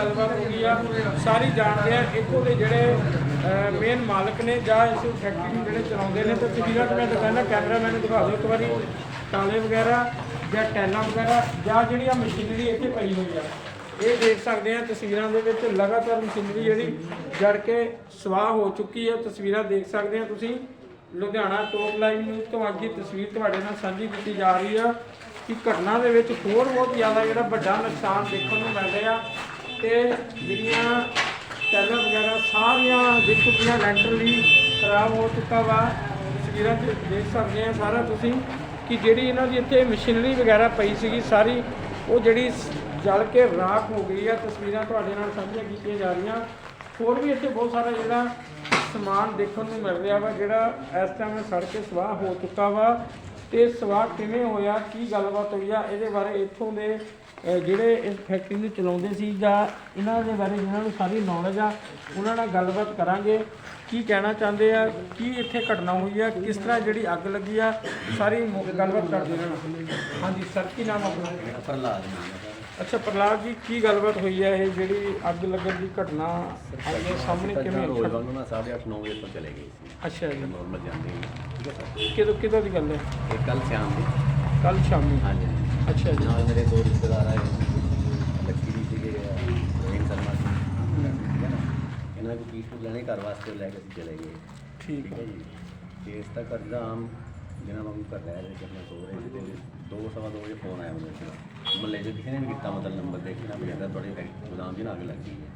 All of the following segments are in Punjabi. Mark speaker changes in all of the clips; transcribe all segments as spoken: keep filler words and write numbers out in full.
Speaker 1: गलबात हो गई आ सारी जानते हैं। इतों के जोड़े मेन मालक ने या इस फैक्ट्री जोड़े चलाते हैं। तो तस्वीर मैं दिखाना कैमरामैन दिखा दो एक बार ताले वगैरह या टैलों वगैरह या जी मशीनरी इतने पई हुई है ये देख सकते हैं। तस्वीरों के लगातार मशीनरी जी जड़ के सवाह हो चुकी है। तस्वीर देख सकते हैं तुसीं लुधियाना टॉप लाइव न्यूज़ तो अज की तस्वीर तुहाडे नाल साझी की जा रही है कि घटना के विच होर बहुत ज़्यादा जिहड़ा वड्डा नुकसान देखने को मिल रहा ते जिहड़ियां टैलां वगैरह सारियां दिख चुकियां लैंटर भी खराब हो चुका वा। तस्वीरां देख सकते हैं सारा तुसीं कि जिहड़ी इन्हां दी इत्थे मशीनरी वगैरह पई सीगी सारी वो जिहड़ी जल के राख हो गई है। तस्वीरां तुहाडे नाल साझीआं कीतीआं जा रहीआं। होर भी इत्थे बहुत सारा जिहड़ा समान देखने को मिल रहा वा जिहड़ा इस टाइम सड़ के सवाह हो चुका वा। तो सवाह किवें होया की गलबात हुई आ इहदे बारे इत्थों दे जिहड़े इस फैक्ट्री नूं चलाउंदे सी जां इन्हां दे बारे जिन्हां नूं सारी नॉलेज आ उन्हां नाल गलबात करांगे की कहना चाहते हैं की इत्थे घटना हुई है किस तरह जिहड़ी अग लगी आ सारी गलबात करदे रहना। हाँ जी सर की नाम अपना?
Speaker 2: प्रहलाद।
Speaker 1: अच्छा प्रहलाद जी की गलबात हुई है ये जी अग लगन की घटना आपके सामने किवें?
Speaker 2: रोज वालों ना साढ़े अठ नौ बजे तो चले गए सी।
Speaker 1: अच्छा जी
Speaker 2: नॉर्मल जाते हैं ठीक है सर।
Speaker 1: किदों किदों की गल है?
Speaker 2: ये कल शाम की।
Speaker 1: कल शामी?
Speaker 2: हाँ जी।
Speaker 1: अच्छा जी।
Speaker 2: ਨਾਲ ਮੇਰੇ ਦੋ ਰਿਸ਼ਤੇਦਾਰ ਆਏ ਲੱਕੀ ਜੀ ਸੀਗੇ ਰੋਹਿਤ ਸ਼ਰਮਾ ਸੀ ਠੀਕ ਹੈ ਨਾ ਇਹਨਾਂ ਨੂੰ ਪੀਸ ਨੂੰ ਲੈਣੇ ਘਰ ਵਾਸਤੇ ਲੈ ਕੇ ਅਸੀਂ ਚਲੇ ਗਏ।
Speaker 1: ਠੀਕ ਹੈ
Speaker 2: ਜੀ ਤੇ ਇਸ ਤੱਕ ਕਰਦਾ ਆਮ ਜਿਹਨਾਂ ਨੂੰ ਘਰ ਲੈ ਰਹੇ ਸੀ ਸੋ ਰਹੇ ਸੀ ਤੇ ਦੋ ਸਵਾ ਦੋ ਵਜੇ ਫੋਨ ਆਇਆ ਮੈਨੂੰ ਸੀ ਮਹੱਲੇ 'ਚ ਕਿਸੇ ਨੇ ਵੀ ਕੀਤਾ ਮਤਲਬ ਨੰਬਰ ਦੇਖਣਾ ਵੀ ਕਹਿੰਦਾ ਤੁਹਾਡੇ ਫੈਕਟਰੀ ਗੋਦਾਮ 'ਚ ਨਾ ਅੱਗ ਲੱਗੀ ਹੈ।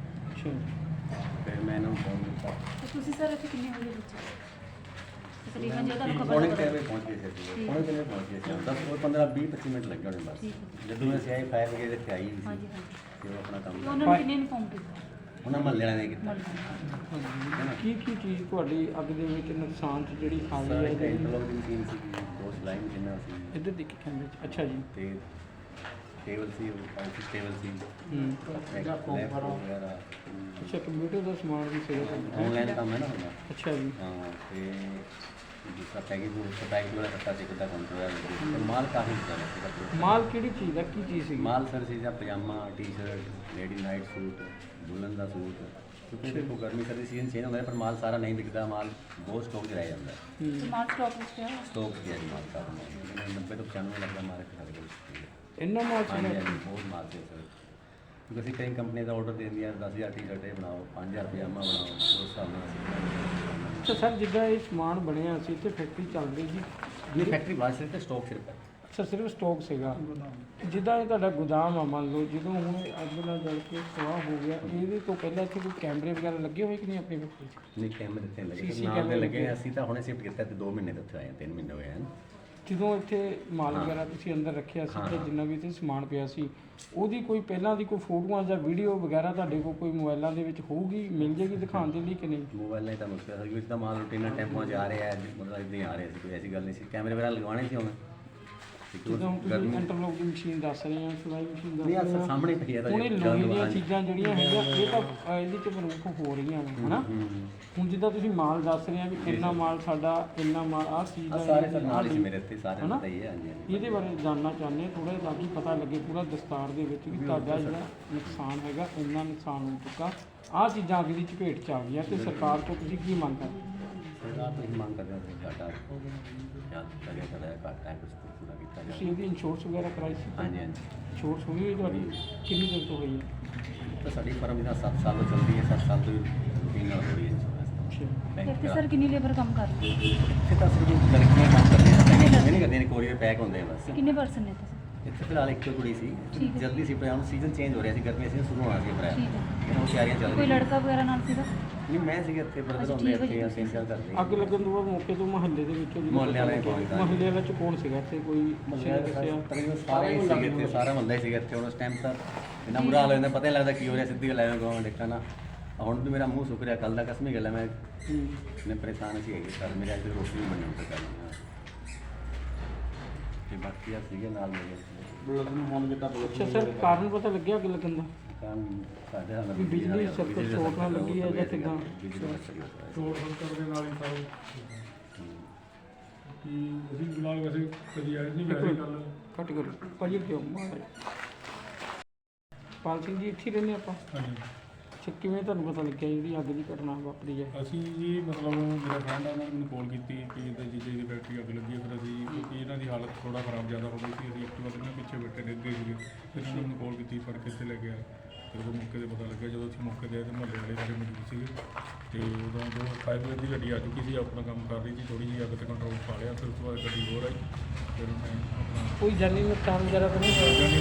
Speaker 1: ਅੱਛਾ
Speaker 2: ਫਿਰ ਮੈਂ ਇਹਨਾਂ ਨੂੰ ਫੋਨ ਕੀਤਾ।
Speaker 3: ਤੁਸੀਂ ਸਰ ਇੱਥੇ ਕਿੰਨੇ ਵਜੇ ਪਹੁੰਚੇ? ਤਕਰੀਬਨ ਜੇ ਤੁਹਾਨੂੰ
Speaker 2: ਪੌਣੇ
Speaker 3: ਖਬਰ
Speaker 2: ਕੁ ਵਜੇ ਪਹੁੰਚ ਗਏ ਸੀ ਪੌਣੇ ਕਿੰਨੇ ਪਹੁੰਚ ਗਏ ਸੀ ਦਸ ਉਹ ਪੰਦਰਾਂ ਵੀਹ ਪੱਚੀ ਮਿੰਟ ਲੱਗੇ ਹੋਣੇ ਬਸ। ਜਦੋਂ ਅਸੀਂ ਆਏ ਫਾਇਰ ਬ੍ਰਿਗੇਡ ਇੱਥੇ ਆਈ ਸੀ
Speaker 3: ਹਾਂਜੀ ਹਾਂਜੀ
Speaker 2: ਤੇ ਉਹ ਆਪਣਾ ਕੰਮ
Speaker 3: ਤੇ ਉਹਨਾਂ ਨੂੰ ਕਿੰਨੇ ਇਨਫੋਰਮ ਕੀਤਾ?
Speaker 2: ਉਹਨਾਂ ਮਹੱਲੇ ਵਾਲਿਆਂ ਨੇ ਕੀਤਾ।
Speaker 1: ਕੀ ਕੀ ਚੀਜ਼ ਤੁਹਾਡੀ ਅੱਗ ਦੇ ਵਿੱਚ ਨੁਕਸਾਨ 'ਚ ਜਿਹੜੀ ਆ ਗਈ
Speaker 2: ਸਾਰੇ
Speaker 1: ਹੈ ਜਿਹੜੀ
Speaker 2: ਇੰਟਰਲੋਕ ਦੀ ਮਸ਼ੀਨ ਸੀ ਦੋ ਸਿਲਾਈ ਮਸ਼ੀਨਾਂ ਸੀ
Speaker 1: ਇੱਧਰ ਦੇਖੀ ਕੈਮਰੇ 'ਚ? ਅੱਛਾ ਜੀ।
Speaker 2: ਤੇ ਟੇਬਲ ਸੀ ਆਫਿਸ ਟੇਬਲ ਸੀ
Speaker 1: ਹੂੰ
Speaker 2: ਲੈਪਟਾਪ ਵਗੈਰਾ
Speaker 1: ਅੱਛਾ ਕੰਪਿਊਟਰ ਦਾ ਸਮਾਨ ਵੀ ਸੀਗਾ ਤੁਹਾਡਾ?
Speaker 2: ਆਨਲਾਈਨ ਕੰਮ ਹੈ ਨਾ ਹੁੰਦਾ।
Speaker 1: ਅੱਛਾ ਜੀ।
Speaker 2: ਹਾਂ ਤੇ ਜਿਸਾ ਪੈਕਿੰਗ ਨੂੰ ਪੈਕਿੰਗ ਵਾਲਾ ਕੱਟਾ ਸੀ ਕਿੱਦਾਂ ਕੰਟਰੋਲ ਹੈ ਮਾਲ ਕਾਫੀ ਜ਼ਿਆਦਾ ਸੀਗਾ।
Speaker 1: ਮਾਲ ਕਿਹੜੀ ਚੀਜ਼ ਦਾ ਕੀ ਚੀਜ਼ ਸੀ?
Speaker 2: ਮਾਲ ਸਰ ਸੀ ਜਾਂ ਪਜਾਮਾ ਟੀ-ਸ਼ਰਟ ਲੇਡੀ ਨਾਈਟ ਸੂਟ ਦੁਲਹਨ ਦਾ ਸੂਟ ਕਿਉਂਕਿ ਦੇਖੋ ਗਰਮੀ ਸਰਦੀ ਸੀਜ਼ਨ ਚੇਂਜ ਹੁੰਦਾ ਹੈ ਪਰ ਮਾਲ ਸਾਰਾ ਨਹੀਂ ਵਿਕਦਾ ਮਾਲ ਬਹੁਤ ਸਟਾਕ 'ਚ ਰਹਿ ਜਾਂਦਾ ਹੈ।
Speaker 3: ਸਮਾਰਟ ਸਟਾਕ ਵਿੱਚ ਪਿਆ ਹੋਇਆ?
Speaker 2: ਸਟਾਕ ਪਿਆ ਜੀ ਮਾਲ ਸਾਰਾ ਨੱਬੇ ਤੋਂ ਪਚਾਨਵੇਂ ਲੱਖ ਦਾ ਮਾਲ ਖਰੀਦ ਗਏ।
Speaker 1: ਇੰਨਾ ਮਾਲ
Speaker 2: ਹਾਂਜੀ
Speaker 1: ਸੀ?
Speaker 2: ਹਾਂਜੀ ਬਹੁਤ ਮਾਲ ਸੀ ਸਰ ਕਿਉਂਕਿ ਅਸੀਂ ਕਈ ਕੰਪਨੀ ਦਾ ਆਰਡਰ ਦੇ ਦਿੰਦੀਆਂ ਦਸ ਹਜ਼ਾਰ ਟੀ-ਸ਼ਰਟ ਇਹ ਬਣਾਓ ਪੰਜ ਹਜ਼ਾਰ ਪਜਾਮਾ ਬਣਾਓ ਉਸ ਹਿਸਾਬ ਨਾਲ ਅਸੀਂ ਬਣਾਉਂਦੇ
Speaker 1: ਅੱਛਾ ਸਰ ਜਿੱਦਾਂ ਇਹ ਸਮਾਨ ਬਣਿਆ ਸੀ ਤੇ ਫੈਕਟਰੀ ਚੱਲ ਰਹੀ ਸੀ
Speaker 2: ਹਾਂ। ਇਹ ਫੈਕਟਰੀ ਬਾਅਦ ਸਿਰਫ ਸਟਾਕ ਸਿਰਫ ਹੈ।
Speaker 1: ਅੱਛਾ ਸਿਰਫ ਸਟਾਕ ਸੀਗਾ ਜਿੱਦਾਂ ਇਹ ਤੁਹਾਡਾ ਗੋਦਾਮ ਆ ਮੰਨ ਲਓ ਜਦੋਂ ਹੁਣ ਇਹ ਅੱਗ ਨਾਲ ਜਲ ਕੇ ਸਵਾਹ ਹੋ ਗਿਆ ਇਹਦੇ ਤੋਂ ਪਹਿਲਾਂ ਇੱਥੇ ਕੋਈ ਕੈਮਰੇ ਵਗੈਰਾ ਲੱਗੇ ਹੋਏ ਕਿ ਨਹੀਂ ਆਪਣੀ ਫੈਕਟਰੀ 'ਚ?
Speaker 2: ਨਹੀਂ ਕੈਮਰੇ ਤੇ ਲੱਗੇ
Speaker 1: ਸੀ ਸੀ
Speaker 2: ਨਾਲ
Speaker 1: ਕੈਮਰੇ
Speaker 2: ਦੇ ਲੱਗੇ
Speaker 1: ਲੱਗੇ।
Speaker 2: ਅਸੀਂ ਤਾਂ ਹੁਣੇ ਸ਼ਿਫਟ ਕੀਤਾ ਤੇ ਦੋ ਮਹੀਨੇ ਤੋਂ ਉੱਥੇ ਆਏ ਹਾਂ, ਤਿੰਨ ਮਹੀਨੇ ਹੋਏ ਹਨ।
Speaker 1: ਜਦੋਂ ਇੱਥੇ ਮਾਲ ਵਗੈਰਾ ਤੁਸੀਂ ਅੰਦਰ ਰੱਖਿਆ ਸੀ ਤੇ ਜਿੰਨਾ ਵੀ ਇੱਥੇ ਸਮਾਨ ਪਿਆ ਸੀ ਉਹਦੀ ਕੋਈ ਪਹਿਲਾਂ ਦੀ ਕੋਈ ਫੋਟੋਆਂ ਜਾਂ ਵੀਡੀਓ ਵਗੈਰਾ ਤੁਹਾਡੇ ਕੋਲ ਕੋਈ ਮੋਬਾਈਲਾਂ ਦੇ ਵਿੱਚ ਹੋਊਗੀ ਮਿਲ ਜੇਗੀ ਦਿਖਾਉਣ ਦੇ ਲਈ ਕਿ ਨਹੀਂ?
Speaker 2: ਮੋਬਾਈਲ ਨਹੀਂ ਤਾਂ ਮੁਸ਼ਕਿਲ ਹੈ ਕਿਉਂਕਿ ਤਾਂ ਮਾਲ ਰੂਟੀਨ ਟੈਂਪੋਆਂ 'ਚ ਆ ਰਿਹਾ ਹੈ ਮਤਲਬ ਇੱਦਾਂ ਹੀ ਆ ਰਿਹਾ ਸੀ ਕੋਈ ਐਸੀ ਗੱਲ ਨਹੀਂ ਸੀ ਕੈਮਰੇ ਵਗੈਰਾ ਲਗਵਾਉਣੇ ਸੀ ਹੁਣ
Speaker 1: ਜਦੋਂ ਹੁਣ ਤੁਸੀਂ ਇੰਟਰਲੋਕ ਦੀ ਮਸ਼ੀਨ ਦੱਸ ਰਹੇ ਹੋ ਸਿਲਾਈ ਮਸ਼ੀਨ ਦੱਸ
Speaker 2: ਨਹੀਂ
Speaker 1: ਰਹੇ
Speaker 2: ਆ
Speaker 1: ਹੋ
Speaker 2: ਸਾਹਮਣੇ ਪਈ ਹੈ ਤਾਂ
Speaker 1: ਹੁਣ ਇਹ ਲੋਹੇ ਦੀਆਂ ਚੀਜ਼ਾਂ ਜਿਹੜੀਆਂ ਹੈਗੀਆਂ ਇਹ ਤਾਂ ਅਹ, ਇਹਦੇ 'ਚ ਪ੍ਰਮੁੱਖ ਹੋ ਰਹੀਆਂ ਨੇ ਹਨਾ। ਹੁਣ ਜਿੱਦਾਂ ਤੁਸੀਂ ਮਾਲ ਦੱਸ ਰਹੇ ਆ ਵੀ ਇੰਨਾ ਮਾਲ ਸਾਡਾ ਇੰਨਾ ਮਾਲ ਆਹ ਚੀਜ਼ ਦਾ
Speaker 2: ਸਾਰੇ ਸਰ ਨਾਲ ਹੀ ਮੇਰੇ ਇੱਥੇ ਸਾਰੇ ਪਤਾ ਹੀ ਹੈ ਹਾਂਜੀ ਹਾਂਜੀ।
Speaker 1: ਇਹਦੇ ਬਾਰੇ ਜਾਣਨਾ ਚਾਹੁੰਦੇ ਹਾਂ ਥੋੜ੍ਹਾ ਜਿਹਾ ਤਾਂ ਕਿ ਪਤਾ ਲੱਗੇ ਪੂਰਾ ਦਸਤਾਰ ਦੇ ਵਿੱਚ ਵੀ ਤੁਹਾਡਾ ਜਿਹੜਾ ਨੁਕਸਾਨ ਹੈਗਾ ਇੰਨਾ ਨੁਕਸਾਨ ਹੋ ਚੁੱਕਾ ਆਹ ਚੀਜ਼ਾਂ ਅੱਗ ਦੀ ਚਪੇਟ 'ਚ ਆ ਗਈਆਂ ਤੇ ਸਰਕਾਰ ਤੋਂ ਤੁਸੀਂ ਕੀ ਮੰਗ ਕਰਦੇ?
Speaker 2: ਸਰਕਾਰ ਤੋਂ ਹੀ ਮੰਗ ਕਰਦੇ ਹਾਂ ਕਿ ਸਾਡਾ ਜਾਂ ਕਰਿਆ ਕਰਿਆ ਘੱਟ ਹੈ ਕੁਝ ਪੂਰਾ ਕੀਤਾ ਜਾਵੇ।
Speaker 1: ਤੁਸੀਂ ਇਹਦੀ ਇੰਸ਼ੋਰੈਂਸ ਵਗੈਰਾ ਕਰਾਈ ਸੀ?
Speaker 2: ਹਾਂਜੀ ਹਾਂਜੀ
Speaker 1: ਇੰਸ਼ੋਰੈਂਸ ਹੋਈ ਹੋਈ ਤੁਹਾਡੀ ਕਿੰਨੀ ਦੇਰ ਤੋਂ ਹੋਈ ਹੈ?
Speaker 2: ਤਾਂ ਸਾਡੀ ਫਰਮ ਇਹਦਾ ਸੱਤ ਸਾਲ ਤੋਂ ਚੱਲਦੀ ਹੈ ਸੱਤ ਸਾਲ ਤੋਂ ਰੂਟੀਨ ਨਾਲ ਹੋ ਰਹੀ ਹੈ
Speaker 1: ਅੱਛਾ
Speaker 3: ਇੱਥੇ ਸਰ ਕਿੰਨੀ ਲੇਬਰ ਕੰਮ ਕਰਦੀ ਹੈ?
Speaker 2: ਇੱਥੇ ਤਾਂ ਸਿਰਫ ਲੜਕੀਆਂ ਕੰਮ ਕਰਦੀਆਂ ਪੈਕਿੰਗ ਨਹੀਂ ਕਰਦੇ ਨੇ ਕੋਰੀਅਰ ਪੈਕ ਹੁੰਦੇ ਆ ਬਸ।
Speaker 3: ਕਿੰਨੇ ਪਰਸਨ ਨੇ ਇੱਥੇ?
Speaker 2: ਇੱਥੇ ਫਿਲਹਾਲ ਇੱਕ ਕੁੜੀ ਸੀ
Speaker 3: ਠੀਕ ਹੈ।
Speaker 2: ਜਲਦੀ ਸੀ ਪਰ ਸੀਜ਼ਨ ਚੇਂਜ ਹੋ ਰਿਹਾ ਸੀ ਗਰਮੀ ਸੀ ਸ਼ੁਰੂ ਹੋਣਾ ਸੀ ਅਪ੍ਰੈਲ
Speaker 3: ਠੀਕ ਹੈ।
Speaker 2: ਇਹਨਾਂ ਨੂੰ ਤਿਆਰੀਆਂ ਚੱਲ
Speaker 3: ਕੋਈ
Speaker 2: ਰਹੀਆਂ
Speaker 3: ਲੜਕਾ ਵਗੈਰਾ ਨਾਲ ਸੀਗਾ?
Speaker 2: ਨਹੀਂ ਮੈਂ ਸੀਗਾ ਇੱਥੇ ਬਰਦਰ
Speaker 3: ਅੱਛਾ,
Speaker 2: ਹੁੰਦੇ
Speaker 3: ਠੀਕ ਹੈ
Speaker 2: ਇੱਥੇ
Speaker 3: ਜੀ।
Speaker 2: ਅਸੀਂ ਸੇਲ ਕਰਦੇ
Speaker 1: ਅੱਗ ਲੱਗਣ ਤੋਂ ਬਾਅਦ ਮੌਕੇ ਤੋਂ ਮਹੱਲੇ ਦੇ ਵਿੱਚੋਂ ਜਦੋਂ
Speaker 2: ਮੁਹੱਲੇ ਵਾਲੇ
Speaker 1: ਪਤਾ ਲੱਗਿਆ,
Speaker 2: ਪਹੁੰਚ ਗਏ।
Speaker 1: ਮੁਹੱਲੇ ਵਾਲਾ ਚ ਕੌਣ ਸੀਗਾ ਇੱਥੇ ਕੋਈ ਕਿਸੇ ਨੇ ਦੱਸਿਆ?
Speaker 2: ਤਕਰੀਬਨ ਸਾਰੇ ਹੀ ਸੀਗੇ ਇੱਥੇ ਸਾਰਾ ਮਹੱਲਾ ਹੀ ਸੀਗਾ ਇੱਥੇ ਹੁਣ ਉਸ ਟਾਈਮ ਤਾਂ ਇੰਨਾ ਬੁਰਾ ਹਾਲ ਹੋ ਜਾਂਦਾ ਪਤਾ ਨਹੀਂ ਲੱਗਦਾ ਕੀ ਹੋ ਰਿਹਾ ਸਿੱਧੀ ਗੱਲ ਐਵੇਂ ਗਾਉਂ ਦੇਖਣਾ ਨਾ ਹੁਣ ਵੀ ਮੇਰਾ ਮੂੰਹ ਸੁੱਕ ਰਿਹਾ ਕੱਲ ਦਾ ਕਸਮੀ ਗੱਲ ਹੈ ਮੈਂ ਨੇ ਪਰੇਸ਼ਾਨ ਸੀ ਹੈਗੇ ਸਰ ਮੇਰੇ ਅੱਜ ਰੋਟੀ ਨਹੀਂ ਬਣੀ ਉੱਤੇ ਕਰਨੀ ਤੇ ਬਾਕੀ ਆ ਸੀਗੇ ਨਾਲ ਮੇਰੇ ਬੁਲਟ ਨੂੰ ਹੁਣ ਕਿਤਾ
Speaker 1: ਅੱਛਾ ਸਰ ਕਾਰਨ ਪਤਾ ਲੱਗਿਆ ਅੱਗ ਲੱਗਣ ਦਾ?
Speaker 2: ਕੰਮ ਸਾਡੇ ਨਾਲ
Speaker 1: ਵੀ ਬਿਜਲੀ ਸਰਕਟ ਸ਼ੋਰਟ ਨਾਲ ਲੱਗੀ ਹੈ ਜਾਂ ਕਿੱਦਾਂ?
Speaker 4: ਸ਼ੋਰਟ ਸਰਕਟ ਦੇ ਨਾਲ ਹੀ ਸਾਰਾ ਕਿ ਅਸੀਂ ਫਿਲਹਾਲ ਵੈਸੇ ਕਦੀ ਆਏ ਨਹੀਂ ਵੈਸੇ ਗੱਲ
Speaker 1: ਘੱਟ ਕਰੋ ਭਾਜੀ ਕਿਉਂ ਮਾਰ ਸੁਖਪਾਲ ਸਿੰਘ ਜੀ ਇੱਥੇ ਹੀ ਰਹਿੰਦੇ ਆਪਾਂ।
Speaker 4: ਹਾਂਜੀ
Speaker 1: ਅੱਛਾ, ਕਿਵੇਂ ਤੁਹਾਨੂੰ ਪਤਾ ਲੱਗਿਆ ਜਿਹੜੀ ਅੱਗ ਦੀ ਘਟਨਾ ਵਾਪਰੀ ਹੈ?
Speaker 4: ਅਸੀਂ ਜੀ ਮਤਲਬ ਮੇਰਾ ਫਰੈਂਡ ਆ, ਉਹਨਾਂ ਨੇ ਮੈਨੂੰ ਕਾਲ ਕੀਤੀ ਕਿ ਇਹਦੇ ਜੀਜੇ ਦੀ ਫੈਕਟਰੀ ਅੱਗ ਲੱਗੀ ਹੈ। ਫਿਰ ਅਸੀਂ ਕਿਉਂਕਿ ਇਹਨਾਂ ਦੀ ਹਾਲਤ ਥੋੜਾ ਖਰਾਬ ਜ਼ਿਆਦਾ ਹੋ ਗਈ ਸੀ, ਅਸੀਂ ਇੱਕ ਵਾਰ ਇਹਨਾਂ ਪਿੱਛੇ ਬੈਠੇ ਡਿੱਗ ਗਏ ਸੀਗੇ। ਫਿਰ ਉਹਨਾਂ ਨੇ ਮੈਨੂੰ ਕਾਲ ਕੀਤੀ, ਫੜ ਕੇ ਇੱਥੇ ਲੈ ਕੇ ਆਏ। ਫਿਰ ਉਹ ਮੌਕੇ 'ਤੇ ਪਤਾ ਲੱਗਿਆ, ਜਦੋਂ ਅਸੀਂ ਮੌਕੇ 'ਤੇ ਆਏ ਤਾਂ ਮੁਹੱਲੇ ਵਾਲੇ ਸਾਰੇ ਮੌਜੂਦ ਸੀਗੇ ਤੇ ਉਦੋਂ ਜੋ ਫਾਇਰ ਬ੍ਰਿਗੇਡ ਦੀ ਗੱਡੀ ਆ ਚੁੱਕੀ ਸੀ, ਆਪਣਾ ਕੰਮ ਕਰ ਰਹੀ ਸੀ, ਥੋੜ੍ਹੀ ਜਿਹੀ ਅੱਗ 'ਤੇ ਕੰਟਰੋਲ ਪਾ ਲਿਆ। ਫਿਰ ਉਸ ਤੋਂ ਬਾਅਦ ਗੱਡੀ ਹੋਰ ਆਈ, ਫਿਰ ਉਹਨੇ ਆਪਣਾ
Speaker 1: ਕੋਈ ਜਾਨੀ ਨੁਕਸਾਨ ਵਗੈਰਾ ਤਾਂ ਨਹੀਂ ਹੋਇਆ?
Speaker 4: ਜਾਨੀ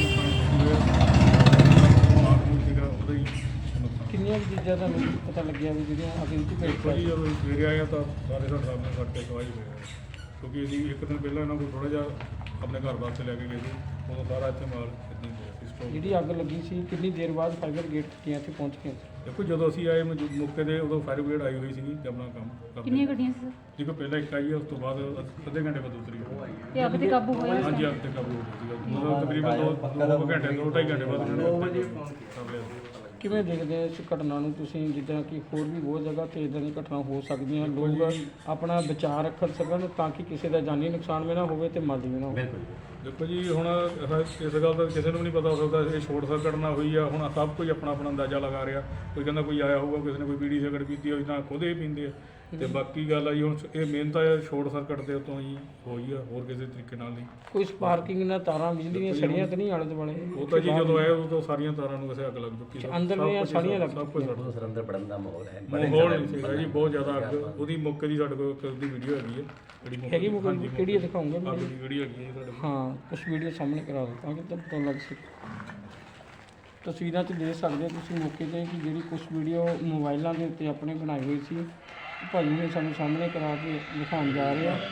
Speaker 4: ਨੁਕਸਾਨ ਮਾਮੂਲ ਸੀਗਾ ਉਹਦਾ ਹੀ ਨੁਕਸਾਨ।
Speaker 1: ਕਿੰਨੀਆਂ ਕੁ ਚੀਜ਼ਾਂ ਤੁਹਾਨੂੰ ਪਤਾ ਲੱਗਿਆ ਵੀ ਜਿਹੜੀਆਂ ਅੱਗ ਵਿੱਚ
Speaker 4: ਦੇਖੋ
Speaker 1: ਭੇਟ
Speaker 4: ਜੀ ਜਦੋਂ ਅਸੀਂ ਸਵੇਰੇ ਆਏ ਹਾਂ ਤਾਂ ਸਾਰੇ ਸਾਡੇ ਸਾਹਮਣੇ ਸੜ ਕੇ ਸਵਾਹ ਹੀ ਹੋਏ ਆ। ਕਿਉਂਕਿ ਅਸੀਂ ਇੱਕ ਦਿਨ ਪਹਿਲਾਂ ਇਹਨਾਂ ਕੋਲ ਥੋੜ੍ਹਾ ਜਿਹਾ ਆਪਣੇ ਘਰ ਵਾਸਤੇ ਲੈ ਕੇ ਗਏ ਸੀ, ਉਦੋਂ ਸਾਰਾ ਇੱਥੇ ਮਾਲ ਇੱਦਾਂ ਹੀ ਪਿਆ ਸੀ ਸਟੋਕ।
Speaker 1: ਜਿਹੜੀ ਅੱਗ ਲੱਗੀ ਸੀ ਕਿੰਨੀ ਦੇਰ ਬਾਅਦ ਫਾਇਰ ਬ੍ਰਿਗੇਡ ਟੀਮਾਂ ਇੱਥੇ ਪਹੁੰਚ ਗਈਆਂ ਸੀ?
Speaker 4: ਦੇਖੋ ਜਦੋਂ ਅਸੀਂ ਆਏ ਮੌਜੂ- ਮੌਕੇ 'ਤੇ ਉਦੋਂ ਫਾਇਰ ਬ੍ਰਿਗੇਡ ਆਈ ਹੋਈ ਸੀਗੀ ਤੇ ਆਪਣਾ ਕੰਮ ਕਰਦੇ।
Speaker 3: ਕਿੰਨੀਆਂ ਗੱਡੀਆਂ ਸੀ ਸਰ?
Speaker 4: ਦੇਖੋ ਪਹਿਲਾਂ ਇੱਕ ਆਈ ਹੈ, ਉਸ ਤੋਂ ਬਾਅਦ ਅੱਧੇ ਘੰਟੇ ਬਾਅਦ ਦੂਸਰੀ ਆਈ।
Speaker 3: ਤੇ ਅੱਗ ਤੇ ਕਾਬੂ ਹੋਇਆ
Speaker 4: ਹਾਂਜੀ ਅੱਗ ਤੇ ਕਾਬੂ ਹੋ ਗਿਆ ਸੀਗਾ। ਮਤਲਬ ਤਕਰੀਬਨ ਦੋ ਦੋ ਕੁ ਘੰਟੇ ਦੋ ਢਾਈ ਘੰਟੇ ਬਾਅਦ ਉਹਨਾਂ ਨੇ ਅੱਗ ਤੇ ਕਾਬੂ ਲਿਆ ਸੀ।
Speaker 1: ਕਿਵੇਂ ਦੇਖਦੇ ਹੋ ਇਸ ਘਟਨਾ ਨੂੰ ਤੁਸੀਂ, ਜਿੱਦਾਂ ਕਿ ਹੋਰ ਵੀ ਬਹੁਤ ਜਗ੍ਹਾ ਤੇ ਇਦਾਂ ਦੀ ਘਟਨਾ ਹੋ ਸਕਦੀਆਂ, ਲੋਕ ਆਪਣਾ ਬਚਾਅ ਰੱਖ ਸਕਣ ਤਾਂ ਕਿ ਕਿਸੇ ਦਾ ਜਾਨੀ ਨੁਕਸਾਨ ਵੀ ਨਾ ਹੋਵੇ ਤੇ ਮਾਲੀ ਵੀ ਨਾ ਹੋਵੇ?
Speaker 4: ਦੇਖੋ ਜੀ ਹੁਣ ਇਹ- ਇਸ ਗੱਲ ਦਾ ਕਿਸੇ ਨੂੰ ਵੀ ਨਹੀਂ ਪਤਾ ਹੋ ਸਕਦਾ, ਇਹ ਸ਼ੋਰਟ ਸਰਕਟ ਨਾ ਹੋਈ ਆ। ਹੁਣ ਸਭ ਕੁਝ ਆਪਣਾ ਆਪਣਾ ਅੰਦਾਜ਼ਾ ਲਗਾ ਰਿਹਾ। ਕੋਈ ਕਹਿੰਦਾ ਕੋਈ ਆਇਆ ਹੋਊਗਾ, ਕਿਸੇ ਨੇ ਕੋਈ ਬੀੜੀ ਸਿਗਰਟ ਪੀਤੀ ਹੋਈ ਤਾਂ ਖੁਦ ਇਹ ਪੀਂਦੇ ਆ। ਤੇ ਬਾਕੀ ਗੱਲ ਆ ਜੀ ਹੁਣ ਇਹ ਮੇਨ ਤਾਂ ਸ਼ੋਰਟ ਸਰਕਟ ਦੇ ਉੱਤੋਂ ਹੀ ਹੋਈ ਆ, ਹੋਰ ਕਿਸੇ ਤਰੀਕੇ ਨਾਲ ਨਹੀਂ।
Speaker 1: ਕੋਈ ਸਪਾਰਕਿੰਗ ਨਾਲ ਤਾਰਾਂ ਬਿਜਲੀ ਦੀਆਂ ਸੜੀਆਂ ਤਾਂ ਨਹੀਂ ਆਲੇ ਦੁਆਲੇ?
Speaker 4: ਉਹ ਤਾਂ ਜੀ ਜਦੋਂ ਆਏ ਉਦੋਂ ਸਾਰੀਆਂ ਤਾਰਾਂ ਨੂੰ ਵੈਸੇ ਅੱਗ ਲੱਗ ਚੁੱਕੀ ਸੀ।
Speaker 1: ਅੰਦਰ
Speaker 4: ਸਭ
Speaker 1: ਦੀਆਂ
Speaker 4: ਕੁਛ-
Speaker 1: ਸਾਰੀਆਂ ਲੱਗ
Speaker 4: ਸਭ ਕੁਝ ਸੜ
Speaker 2: ਉਦੋਂ ਸਰ ਅੰਦਰ ਪੜਨ ਦਾ ਮਾਹੌਲ ਹੈ।
Speaker 4: ਮਾਹੌਲ ਨਹੀਂ ਸੀਗਾ ਜੀ, ਬਹੁਤ ਜ਼ਿਆਦਾ ਅੱਗ। ਉਹਦੀ ਮੌਕੇ ਦੀ ਸਾਡੇ ਕੋਲ ਇੱਕ ਦੀ ਵੀਡੀਓ ਹੈਗੀ ਹੈ ਜਿਹੜੀ ਮੌਕੇ
Speaker 1: ਹੈਗੀ
Speaker 4: ਦੀ-
Speaker 1: ਮੌਕੇ ਦੀ?
Speaker 4: ਹਾਂਜੀ,
Speaker 1: ਕਿਹੜੀ ਦਿਖਾਉਂਗੇ
Speaker 4: ਅੱਗ
Speaker 1: ਮੈਨੂੰ?
Speaker 4: ਦੀ ਵੀਡੀਓ ਹੈਗੀ ਹੈ ਸਾਡੇ ਕੋਲ।
Speaker 1: ਹਾਂ, ਕੁਝ ਵੀਡੀਓ ਸਾਹਮਣੇ ਕਰਾ ਦਿਓ ਤਾਂ ਕਿ ਤੁਹਾਨੂੰ ਪਤਾ ਲੱਗ ਸਕੇ। ਤਸਵੀਰਾਂ 'ਚ ਦੇਖ ਸਕਦੇ ਹੋ ਤੁਸੀਂ ਮੌਕੇ 'ਤੇ ਕਿ ਜਿਹੜੀ ਕੁਝ ਵੀਡੀਓ ਮੋਬਾਈਲਾਂ ਦੇ ਉੱਤੇ ਆਪਣੇ ਬਣਾਈ ਹੋਈ ਸੀ, ਭਾਜੀ ਨੇ ਸਾਨੂੰ ਸਾਹਮਣੇ ਕਰਾ ਕੇ ਦਿਖਾਉਣ ਜਾ ਰਹੇ ਆ।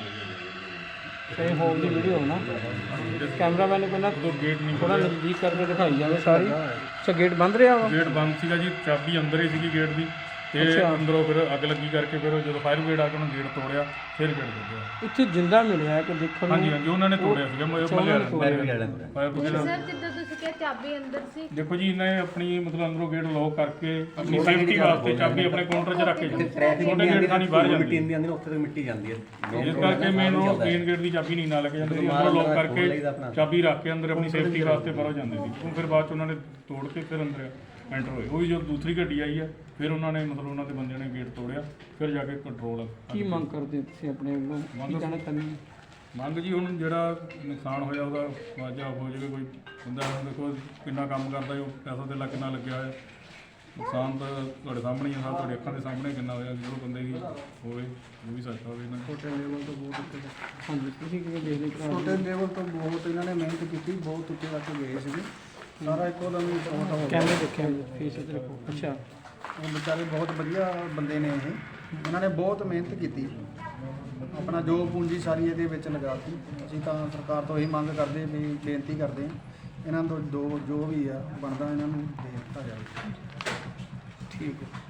Speaker 1: ਇਹ ਹੋਲ ਦੀ ਵੀਡੀਓ ਨਾ ਕੈਮਰਾਮੈਨ ਨੂੰ ਪਹਿਲਾਂ
Speaker 4: ਉਦੋਂ ਗੇਟ ਨਹੀਂ
Speaker 1: ਥੋੜਾ ਨਜ਼ਦੀਕ ਕਰਕੇ ਦਿਖਾਈ ਜਾਵੇ ਸਾਰੀ। ਅੱਛਾ, ਗੇਟ ਬੰਦ ਰਿਹਾ ਵਾ?
Speaker 4: ਗੇਟ ਬੰਦ ਸੀਗਾ ਜੀ, ਚਾਬੀ ਅੰਦਰ ਹੀ ਸੀਗੀ ਗੇਟ ਦੀ ਤੇ
Speaker 1: ਅੱਛਾ।
Speaker 4: ਅੰਦਰੋਂ ਫਿਰ ਅੱਗ ਲੱਗੀ ਕਰਕੇ ਫਿਰ ਜਦੋਂ ਫਾਇਰ ਬ੍ਰਿਗੇਡ ਆ ਕੇ ਉਹਨੇ ਗੇਟ ਤੋੜਿਆ, ਫਿਰ ਗੇਟ ਲੱਗਿਆ।
Speaker 1: ਇੱਥੇ ਜਿੰਦਾ ਮਿਲਿਆ ਹੈ ਕਿ ਦੇਖਣ
Speaker 4: ਹਾਂਜੀ
Speaker 1: ਨੂੰ?
Speaker 4: ਹਾਂਜੀ ਉਹਨਾਂ ਨੇ ਤੋੜਿਆ ਸੀਗਾ ਮੱਲੇ
Speaker 1: ਅੱਛਾ, ਉਹਨਾਂ ਨੇ
Speaker 4: ਵਾਲਿਆਂ
Speaker 1: ਤੋੜਿਆ।
Speaker 4: ਨੇ ਫਾਇਰ ਬ੍ਰਿਗੇਡ।
Speaker 5: ਸਰ ਜਿੱਦਾਂ ਤੁਸੀਂ ਕਿਹਾ ਚਾਬੀ ਅੰਦਰ ਸੀ,
Speaker 4: ਦੇਖੋ ਜੀ ਇਹਨਾਂ ਨੇ ਆਪਣੀ ਮਤਲਬ ਅੰਦਰੋਂ ਗੇਟ ਲੌਕ ਕਰਕੇ ਆਪਣੀ ਸੇਫਟੀ ਵਾਸਤੇ ਚਾਬੀ ਆਪਣੇ ਕਾਊਂਟਰ 'ਚ ਰੱਖ ਕੇ ਜਾਂਦੇ।
Speaker 2: ਟ੍ਰੈਫਿਕ
Speaker 4: ਛੋਟੇ ਗੇਟ ਤਾਂ ਨਹੀਂ ਬਾਹਰ
Speaker 2: ਮਿੱਟੀ
Speaker 4: ਜਾਂਦੀ,
Speaker 2: ਇੰਦੀ ਆਉਂਦੀ ਨਾ, ਉੱਥੇ ਤੱਕ ਮਿੱਟੀ ਜਾਂਦੀ ਹੈ।
Speaker 4: ਇਸ ਕਰਕੇ ਮੇਨ ਉਹ ਮੇਨ ਗੇਟ ਦੀ ਚਾਬੀ ਨਹੀਂ ਨਾਲ ਲੈ ਕੇ ਜਾਂਦੇ ਸੀ, ਅੰਦਰੋਂ ਲੌਕ ਕਰਕੇ ਚਾਬੀ ਰੱਖ ਕੇ ਅੰਦਰ ਆਪਣੀ ਸੇਫਟੀ ਵਾਸਤੇ ਬਾਹਰੋਂ ਜਾਂਦੇ ਸੀ। ਉਹ ਫਿਰ ਬਾਅਦ 'ਚ ਉਹਨਾਂ ਨੇ ਤੋੜ ਕੇ ਫਿਰ ਅੰਦਰ ਐਂਟਰ ਹੋਏ। ਉਹ ਵੀ ਜਦੋਂ ਦੂਸਰੀ ਗੱਡੀ ਆਈ ਆ ਫਿਰ ਉਹਨਾਂ ਨੇ ਮਤਲਬ ਉਹਨਾਂ ਦੇ ਬੰਦਿਆਂ ਨੇ ਗੇਟ ਤੋੜਿਆ, ਫਿਰ ਜਾ ਕੇ ਕੰਟਰੋਲ।
Speaker 1: ਕੀ ਮੰਗ ਕਰਦੇ ਹੋ ਤੁਸੀਂ ਆਪਣੇ ਵੱਲੋਂ? ਕੀ ਕਹਿਣਾ ਚਾਹੁੰਦੇ ਹੋ?
Speaker 4: ਮੰਗ ਜੀ ਹੁਣ ਜਿਹੜਾ ਨੁਕਸਾਨ ਹੋਇਆ ਉਹਦਾ ਮੁਆਵਜ਼ਾ ਹੋ ਜਾਵੇ। ਕੋਈ ਬੰਦਾ ਹੁਣ ਦੇਖੋ ਕਿੰਨਾ ਕੰਮ ਕਰਦਾ, ਉਹ ਪੈਸਾ ਧੇਲਾ ਕਿੰਨਾ ਲੱਗਿਆ ਹੋਇਆ। ਨੁਕਸਾਨ ਤਾਂ ਤੁਹਾਡੇ ਸਾਹਮਣੇ ਹੀ ਆ, ਸਭ ਤੁਹਾਡੇ ਅੱਖਾਂ ਦੇ ਸਾਹਮਣੇ ਕਿੰਨਾ ਹੋਇਆ। ਜਦੋਂ ਬੰਦੇ ਦੀ ਹੋਵੇ ਉਹ ਵੀ ਸੱਚਾ ਹੋਵੇ ਇਹਨਾਂ ਨੂੰ।
Speaker 6: ਛੋਟੇ ਲੈਵਲ ਤੋਂ ਬਹੁਤ ਉੱਤੇ
Speaker 1: ਹਾਂਜੀ, ਤੁਸੀਂ ਕਿਵੇਂ ਦੇਖਦੇ ਹੋ?
Speaker 6: ਛੋਟੇ ਲੈਵਲ ਤੋਂ ਬਹੁਤ ਇਹਨਾਂ ਨੇ ਮਿਹਨਤ ਕੀਤੀ, ਬਹੁਤ ਉੱਤੇ ਤੱਕ ਗਏ ਸੀਗੇ। ਸਾਰਾ ਇੱਕੋ ਦਮ ਹੀ ਸ਼ਾਰਟ ਹੋ ਗਿਆ।
Speaker 1: ਕੈਮਰੇ ਦੇਖਿਆ ਫੇਸ ਤੇ ਰੱਖੋ। ਅੱਛਾ,
Speaker 6: ਉਹ ਵਿਚਾਰੇ ਬਹੁਤ ਵਧੀਆ ਬੰਦੇ ਨੇ ਇਹ, ਇਹਨਾਂ ਨੇ ਬਹੁਤ ਮਿਹਨਤ ਕੀਤੀ, ਆਪਣਾ ਜੋ ਪੂੰਜੀ ਸਾਰੀ ਇਹਦੇ ਵਿੱਚ ਲਗਾਤੀ। ਅਸੀਂ ਤਾਂ ਸਰਕਾਰ ਤੋਂ ਇਹੀ ਮੰਗ ਕਰਦੇ ਵੀ ਬੇਨਤੀ ਕਰਦੇ ਹਾਂ ਇਹਨਾਂ ਤੋਂ ਦੋ ਜੋ ਵੀ ਆ ਬਣਦਾ ਇਹਨਾਂ ਨੂੰ ਦੇ ਦਿੱਤਾ ਜਾਵੇ।
Speaker 1: ਠੀਕ ਹੈ।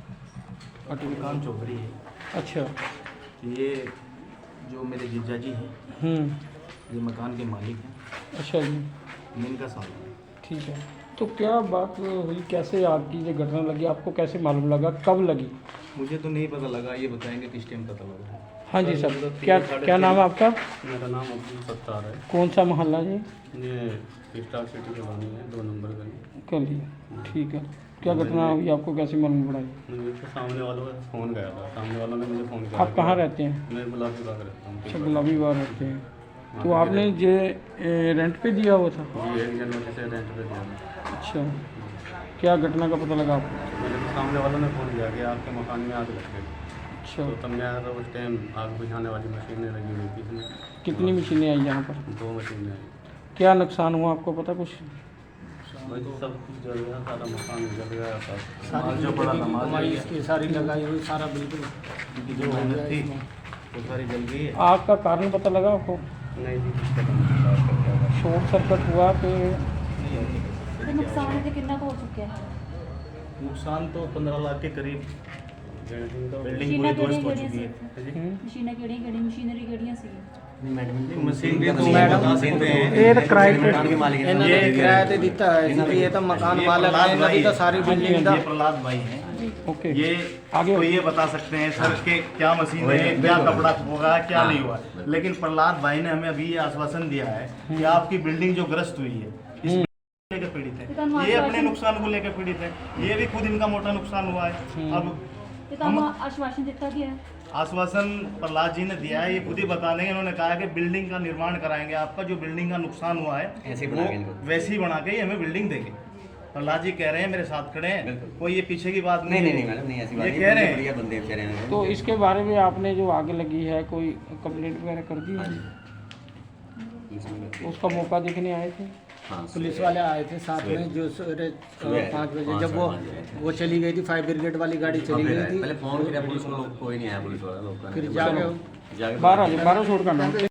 Speaker 7: मकान चौधरी है।
Speaker 1: अच्छा,
Speaker 7: ये जो मेरे जीजा जी हैं,
Speaker 1: हम्म,
Speaker 7: ये मकान के मालिक हैं।
Speaker 1: अच्छा जी,
Speaker 7: मैं इनका साल है।
Speaker 1: ठीक है। तो क्या बात हुई, कैसे आपकी ये घटना लगी, आपको कैसे मालूम लगा, कब लगी?
Speaker 7: मुझे तो नहीं पता लगा, ये बताएंगे किस टाइम पता लगा।
Speaker 1: हाँ जी सर, क्या क्या नाम है आपका?
Speaker 8: मेरा नाम अब्दुल सत्तार है।
Speaker 1: कौन सा मोहल्ला जी?
Speaker 8: ये स्टार सिटी कॉलोनी है, दो नंबर गली।
Speaker 1: कल, ठीक है। क्या घटना हुई, आपको कैसे मालूम पड़ा?
Speaker 8: मुझे तो सामने वालों का फ़ोन गया था, सामने वालों ने मुझे फ़ोन किया।
Speaker 1: आप कहाँ रहते हैं?
Speaker 8: मैं गुलाबी बाग रहता हूँ।
Speaker 1: अच्छा, गुलाबी बाग रहते हैं। तो आपने ये ए, रेंट पे दिया हुआ था?
Speaker 8: जी, एक जनवरी से रेंट पे दिया था।
Speaker 1: अच्छा, क्या घटना का पता लगा आपको?
Speaker 8: मुझे तो सामने वालों ने फ़ोन किया कि आपके मकान में आग लग गई।
Speaker 1: अच्छा,
Speaker 8: तो तब मैं आया था, उस टाइम आग बुझाने वाली मशीनें लगी हुई थी इसमें।
Speaker 1: कितनी मशीनें आई यहाँ पर?
Speaker 8: दो मशीनें आई।
Speaker 1: क्या नुकसान हुआ आपको पता कुछ?
Speaker 8: वही सब कुछ जल गया, सारा मकान जल गया था।
Speaker 7: माल जो पड़ा था, माल जल गया।
Speaker 6: इसकी सारी लगाई हुई सारा बिल्कुल
Speaker 7: उनकी जो मेहनत थी वो सारी जल गई है।
Speaker 1: आग का कारण पता लगा आपको?
Speaker 8: नहीं जी, कुछ पता नहीं चला उसका क्या हुआ।
Speaker 1: शॉर्ट सर्किट हुआ कि?
Speaker 3: ਤੇ ਨੁਕਸਾਨ ਤੇ ਕਿੰਨਾ ਕੁ ਹੋ ਚੁੱਕਿਆ ਹੈ?
Speaker 7: नुकसान तो पंद्रह लाख के करीब,
Speaker 8: बिल्डिंग तो
Speaker 7: बिल्डिंग
Speaker 3: मशीनें
Speaker 7: पूरी ध्वस्त हो
Speaker 3: किहड़ियां
Speaker 7: चुकी है।
Speaker 1: हम्म,
Speaker 3: ਮਸ਼ੀਨਾਂ ਕਿਹੜੀਆਂ ਕਿਹੜੀਆਂ ਮਸ਼ੀਨਰੀ ਕਿਹੜੀਆਂ ਸੀ?
Speaker 7: मशीन
Speaker 2: तो
Speaker 7: तो
Speaker 2: मैडम
Speaker 1: ਇਹ ਤਾਂ ਕਿਰਾਏ ਤੇ
Speaker 2: मकान के मालिक
Speaker 6: ਇਹਨਾਂ
Speaker 2: हैं।
Speaker 6: ਨੇ ਕਿਰਾਏ ਤੇ ਦਿੱਤਾ ਹੈ ਜੀ, ਇਹ ਤਾਂ ਮਕਾਨ ਮਾਲਕ ਨੇ, ਇਹਨਾਂ ਦੀ ਤਾਂ ਸਾਰੀ ਬਿਲਡਿੰਗ ਦਾ
Speaker 7: ये प्रहलाद भाई हैं।
Speaker 1: ओके,
Speaker 9: ये
Speaker 1: आगे
Speaker 9: तो ये बता सकते हैं सर कि क्या मशीन है, क्या कपड़ा होगा, क्या नहीं हुआ। लेकिन प्रहलाद भाई ने हमें अभी ये आश्वासन दिया है कि आपकी बिल्डिंग जो ग्रस्त हुई है, इस बिल्डिंग के लेकर पीड़ित
Speaker 3: ये तो हम
Speaker 9: है, ये अपने
Speaker 3: आश्वासन-
Speaker 9: नुकसान को लेकर पीड़ित है, ये भी खुद इनका मोटा नुकसान हुआ है। अब
Speaker 3: ये तो हम आश्वासन ਦਿੱਤਾ ਗਿਆ है
Speaker 9: आश्वासन प्रहलाद जी ने दिया है, ये खुद ही बता देंगे। उन्होंने कहा है कि बिल्डिंग का निर्माण कराएंगे, आपका जो बिल्डिंग का नुकसान हुआ है
Speaker 2: ऐसे ही
Speaker 9: वो
Speaker 2: बनाएंगे इनको।
Speaker 9: वैसे ही बना के ही हमें बिल्डिंग देंगे। प्रहलाद जी कह रहे हैं, मेरे साथ खड़े हैं,
Speaker 2: बिल्कुल।
Speaker 9: कोई ये पीछे की बात
Speaker 2: नहीं
Speaker 9: नहीं
Speaker 2: नहीं नहीं मैडम नहीं ऐसी बात
Speaker 9: ये
Speaker 2: नहीं,
Speaker 9: कह रहे
Speaker 2: बड़े
Speaker 9: हैं।
Speaker 2: बढ़िया बंदे बेचारे हैं।
Speaker 1: तो इसके बारे में आपने जो आग लगी है कोई कंप्लेंट वगैरह कर दी
Speaker 2: हाँ
Speaker 1: है?
Speaker 2: जी पुलिस में गए थे।
Speaker 1: उसका मौका देखने आए थे?
Speaker 2: हाँ
Speaker 10: पुलिस वाले आए थे साथ में जो सवेरे
Speaker 2: सुबह
Speaker 10: पाँच बजे
Speaker 2: पाँच
Speaker 10: जब वो
Speaker 2: साढ़े पाँच बजे।
Speaker 10: वो चली गई थी फायर ब्रिगेड वाली गाड़ी चली
Speaker 2: फिर
Speaker 10: गई
Speaker 2: आए।
Speaker 10: थी
Speaker 2: पहले फोन किया पुलिस को, लोग कोई नहीं आया पुलिस वाला लोग का
Speaker 10: फिर
Speaker 2: नहीं।
Speaker 10: जाके
Speaker 2: जाके
Speaker 1: बारह बारह छोड़ करना